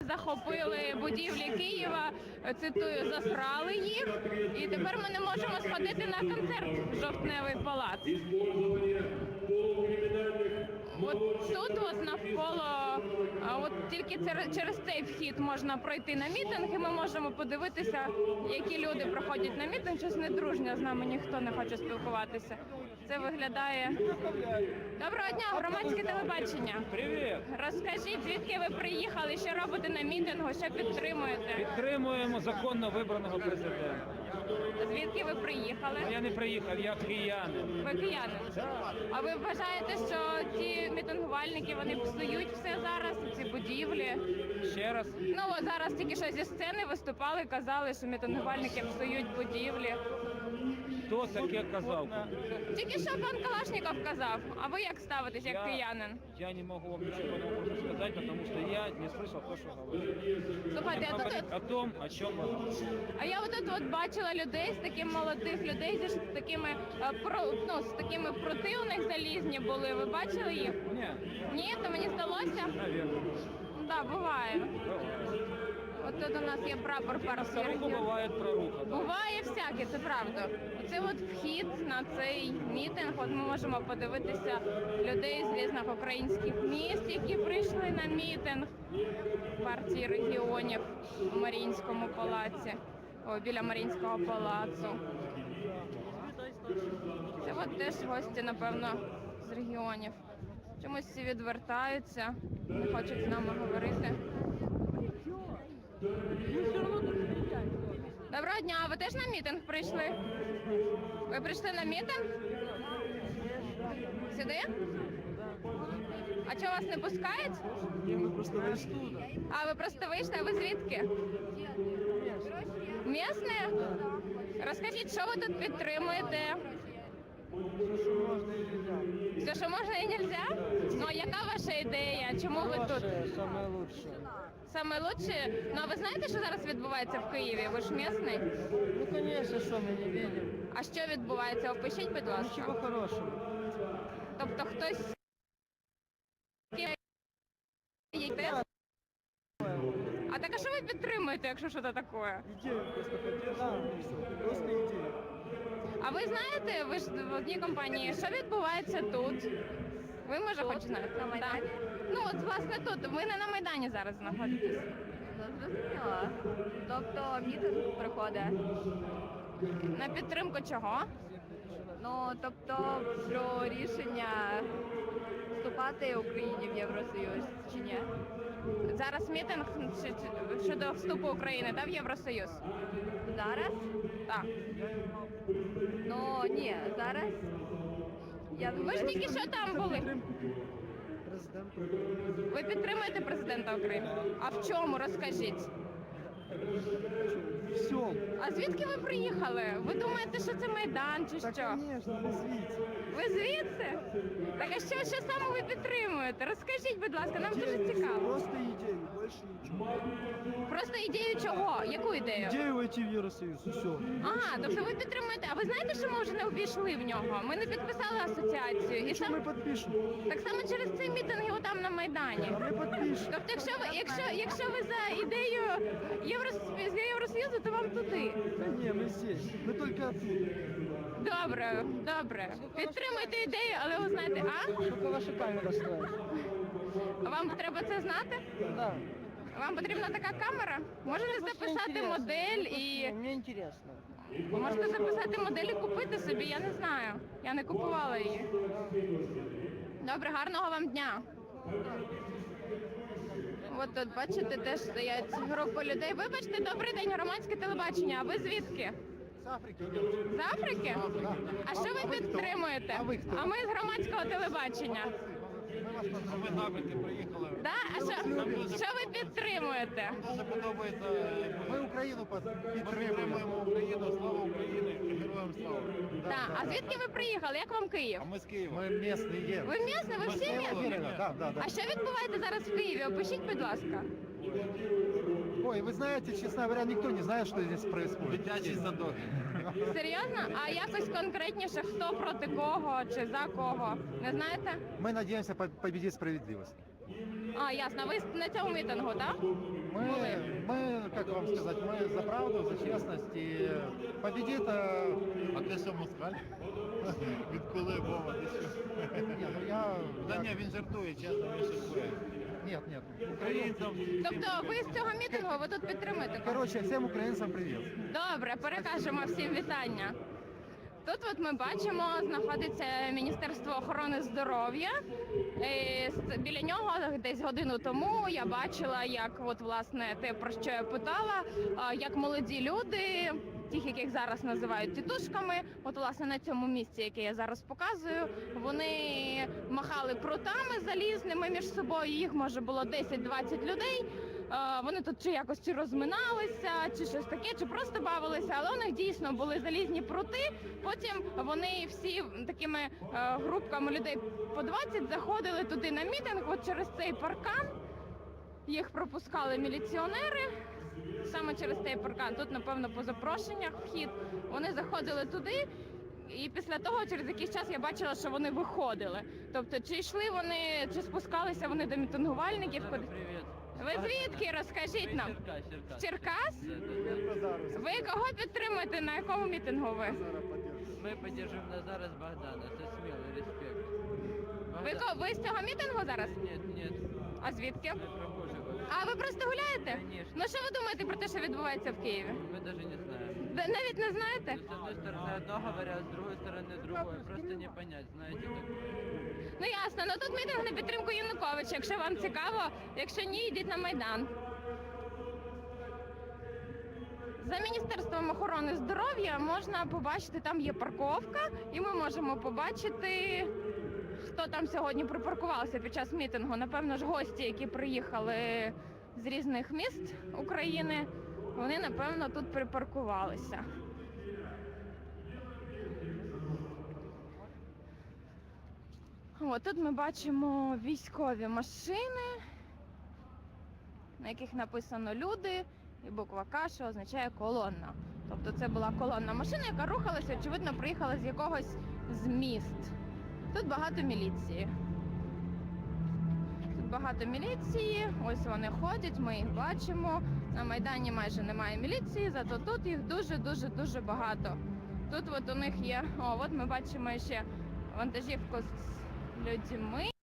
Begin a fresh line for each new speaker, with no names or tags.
захопили будівлі Києва, цитую, засрали їх, і тепер ми не можемо сходити на концерт в Жовтневий палац. От тут от навколо, от тільки через цей вхід можна пройти на мітинг, і ми можемо подивитися, які люди проходять на мітинг. Щось недружньо, з нами ніхто не хоче спілкуватися. Це виглядає... Доброго дня, громадське телебачення.
Привіт!
Розкажіть, звідки ви приїхали, що робите на мітингу, що підтримуєте?
Підтримуємо законно вибраного президента.
Звідки ви приїхали?
Я не приїхав, я киянин.
Ви киянин? А ви вважаєте, що ті мітингувальники, вони псують все зараз, ці будівлі?
Ще раз.
Ну, от зараз тільки що зі сцени виступали, казали, що мітингувальники псують будівлі.
Хто таке казав?
Тільки що пан Калашніков казав. А ви як ставитесь, як киянин?
Я не можу вам нічого нового сказати, тому що я не слышав те, що говорили.
Слухайте, а тут...
О том, о чому говорили.
А я от бачила людей, з таких молодих людей, з такими, з такими проти у них залізні були. Ви бачили їх?
Ні.
Ні, то мені здалося?
Навірно.
Так, буває. От тут у нас є прапор партії регіонів.
Буває проруха.
Буває всяке, це правда. Це от вхід на цей мітинг. От ми можемо подивитися людей з різних українських міст, які прийшли на мітинг партії регіонів у Маріїнському палаці, біля Маріїнського палацу. Це от теж гості, напевно, з регіонів. Чомусь всі відвертаються, не хочуть з нами говорити. Доброго дня, а ви теж на мітинг прийшли? Ви прийшли на мітинг? Сюди? А чого вас не пускають?
Мы просто вышли.
А ви просто вийшли, а ви звідки? Місне? Розкажіть, що ви тут підтримуєте? Все, що можна і нельзя? Ну, а яка ваша ідея? Чому ви тут?
Самое лучшее.
Саме лучше? Ну, а ви знаєте, що зараз відбувається в Києві? Ви ж місний?
Ну, конечно, что мы не видим.
А що відбувається? Опишіть, будь ласка.
Ничего хорошего.
Тобто хтось... А так а що ви підтримуєте, якщо щось таке?
Идею просто поддерживаем, и всё. Просто идею.
А ви знаєте, ви ж в одній компанії, що відбувається тут? Ви, може, хоч знаєте?
На Майдані?
Так. Ну, от, власне, тут. Ви не на Майдані зараз знаходитесь.
Ну, зрозуміла. Тобто мітинг проходить.
На підтримку чого?
Ну, тобто про рішення вступати Україні в Євросоюз чи ні?
Зараз мітинг щодо вступу України, в Євросоюз?
Зараз?
Так.
Ну, ні, зараз.
Ви ж тільки що там були.
Президент.
Ви підтримуєте президента України? А в чому? Розкажіть.
Все.
А звідки ви приїхали? Ви думаєте, що це Майдан чи
Так,
що?
конечно, вы звідси.
Ви звідси? Так а що саме ви підтримуєте? Розкажіть, будь ласка, нам дуже цікаво.
Просто идею, больше ничего.
Просто ідею чого? Яку ідею?
Идею войти в Евросоюз, и все.
Ага, тобто ви підтримуєте. А ви знаєте, що ми вже не увійшли в нього? Ми не підписали асоціацію. І
Что мы подпишем?
так само через цей мітинг отам на Майдані.
А мы подпишем.
Тобто, якщо ви за ідею Євросоюзу, то вам туди.
Да не, мы здесь. Мы только оттуда.
Добре, добре. Підтримуйте ідею, але ви знаєте,
Только ваша камера стоит.
Вам треба це знати?
Да.
Вам потрібна така камера? Можете записати модель і...
Мне интересно.
Можете записати модель і купити собі, я не знаю. Я не купувала її. Добре, гарного вам дня. От тут, бачите, теж стоять групи людей. Вибачте, добрий день, громадське телебачення. А ви звідки?
С Африки.
З Африки? А що ви підтримуєте? А ми з громадського телебачення.
Ви з Африки приїхали.
Да? А що ви підтримуєте?
Дуже подобається.
Ми Україну
Ми
підтримуємо.
підтримуємо Україну, слава Україні, героям слава.
Так. А звідки ви приїхали? Як вам Київ?
А ми з Києва.
Ми місні є.
Ви місні? Ви всі місні?
Да.
А що відбувається зараз в Києві? Опишіть, будь ласка.
Ой, вы знаете, честно говоря, никто не знает, что здесь происходит.
Дитячий садок.
Серйозно? А якось конкретніше, хто проти кого чи за кого? Не знаєте?
Мы надеемся победить справедливость.
А, ясно. Ви на цьому мітингу, так?
Мы, как вам сказать, мы за правду, за честность и победит...
А ти що, москаль? Відколи Вова, ти що?
Нет, ну я...
Та ні, він жартує, чесно, він жартує.
Нет.
Українцям...
Тобто ви з цього мітингу ви тут підтримуєте?
Короче, всем украинцам привет.
Добре, перекажемо всім вітання. Тут от ми бачимо, знаходиться Міністерство охорони здоров'я. Біля нього десь годину тому я бачила, як от власне те, про що я питала, як молоді люди, тих, яких зараз називають тітушками, от власне на цьому місці, яке я зараз показую, вони махали прутами залізними між собою, їх може було 10-20 людей. Вони тут чи якось чи розминалися, чи щось таке, чи просто бавилися, але у них дійсно були залізні прути. Потім вони всі такими групками людей по 20 заходили туди на мітинг, от через цей паркан. Їх пропускали міліціонери, саме через цей паркан. Тут, напевно, по запрошеннях вхід. Вони заходили туди, і після того, через якийсь час, я бачила, що вони виходили. Тобто, чи йшли вони, чи спускалися вони до мітингувальників.
Привет.
Ви звідки? Розкажіть нам. З Черкас? Ви кого підтримуєте? На якому мітингу ви?
Мы поддержим Назара с Богдана. Это смелый респект.
Ви з цього мітингу зараз?
Нет.
А звідки?
Мы прохожие.
А ви просто гуляєте?
Конечно.
Ну що ви думаєте про те, що відбувається в Києві?
Мы даже не знаем.
Ви навіть не знаєте?
С одной стороны одно говорят, с другой стороны другое. Просто не понять, знаете, так.
Ну ясно, ну тут мітинг на підтримку Януковича. Якщо вам цікаво, якщо ні, йдіть на Майдан. За Міністерством охорони здоров'я можна побачити, там є парковка, і ми можемо побачити, хто там сьогодні припаркувався під час мітингу. Напевно ж, гості, які приїхали з різних міст України, вони, напевно, тут припаркувалися. О, тут ми бачимо військові машини, на яких написано «Люди» і буква «К», що означає колонна. Тобто це була колонна машина, яка рухалася, очевидно, приїхала з якогось з міст. Тут багато міліції. Тут багато міліції, ось вони ходять, ми їх бачимо. На Майдані майже немає міліції, зато тут їх дуже багато. Тут от у них є, от ми бачимо ще вантажівку з людьми.